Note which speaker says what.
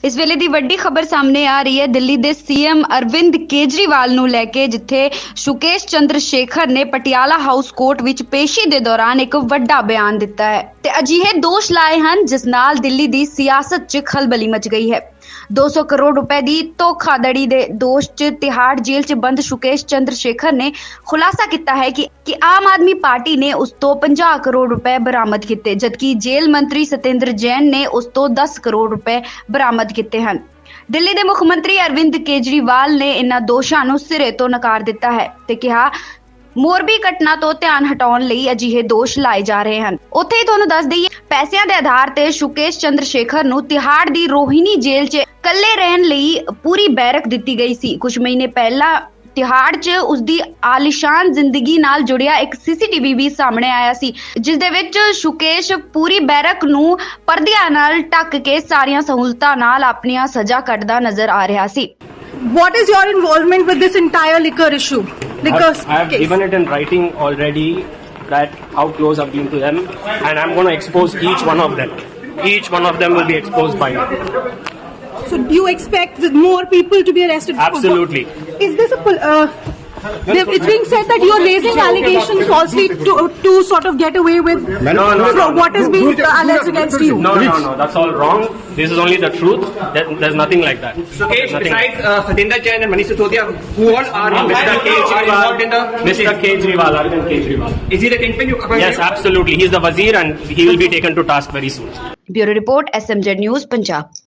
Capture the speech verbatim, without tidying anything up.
Speaker 1: इस वेले दी वड्डी खबर सामने आ रही है दिल्ली दे सीएम अरविंद केजरीवाल नूं लैके, जिथे सुकेश चंद्र शेखर ने पटियाला हाउस कोर्ट विच पेशी दे दौरान एक वड्डा बयान दिता है ते अजिहे दोष लाए हैं जिस नाल दिल्ली दी सियासत च खलबली मच गई है। दो सौ करोड़ रुपए दी धोखाधड़ी दे दोष च तिहाड़ जेल च बंद सुकेश चंद्र शेखर ने खुलासा किया है कि, कि आम आदमी पार्टी ने उस तो पचास करोड़ रुपए बरामद किए, जबकि जेल मंत्री सत्येंद्र जैन ने उस तो दस करोड़ रुपए बरामद किए हैं। दिल्ली के मुख मंत्री अरविंद केजरीवाल ने इन्हां दोषां नूं सिरे तो नकार दिता है ते कहा मोरबी घटना तो ध्यान हटाउण लई अजिहे दोष लाए जा रहे हैं। उत्थे ही तुहानूं दस दईए पैसिਆਂ ਦੇ आधार ते सुकेश चंद्र शेखर नूं तिहाड़ दी रोहिणी जेल 'ਚ ਕੱਲੇ ਰਹਿਣ ਲਈ पूरी बैरक दित्ती गई सी। कुछ महीने पहला तिहाड़ 'ਚ उसदी आलीशान जिंदगी नाल जुड़िया एक सीसीटीवी भी सामने आया सी, जिस दे विच सुकेश पूरी बैरक नूं पर्दियां नाल ढक के सारियां सहूलतां नाल अपनियां सजा कटदा नजर आ रहा सी।
Speaker 2: What is your involvement with this entire liquor issue? Liquor
Speaker 3: I, I have
Speaker 2: case.
Speaker 3: given it in writing already that how close I've been to them, and I'm going to expose each one of them. Each one of them will be exposed by me.
Speaker 2: So do you expect that more people to be arrested?
Speaker 3: Absolutely.
Speaker 2: Is this a pol- uh, there- it's being said that you're raising allegations falsely to to sort of get away with
Speaker 3: No, no,
Speaker 2: so
Speaker 3: no.
Speaker 2: what is being alleged against you?
Speaker 3: No, no, no. That's all wrong. This is only the truth. There, there's nothing like that.
Speaker 4: Sukesh,
Speaker 3: Nothing.
Speaker 4: besides uh, Satinder Jain and Manish Sisodia, who all are
Speaker 3: Mister
Speaker 4: involved in the
Speaker 3: Kejriwal, Mister Kejriwal, Arvind Kejriwal.
Speaker 4: Is he the kingpin? You
Speaker 3: Yes, absolutely. He's the wazir, and he will be taken to task very soon.
Speaker 1: Bureau report S M Z news Punjab.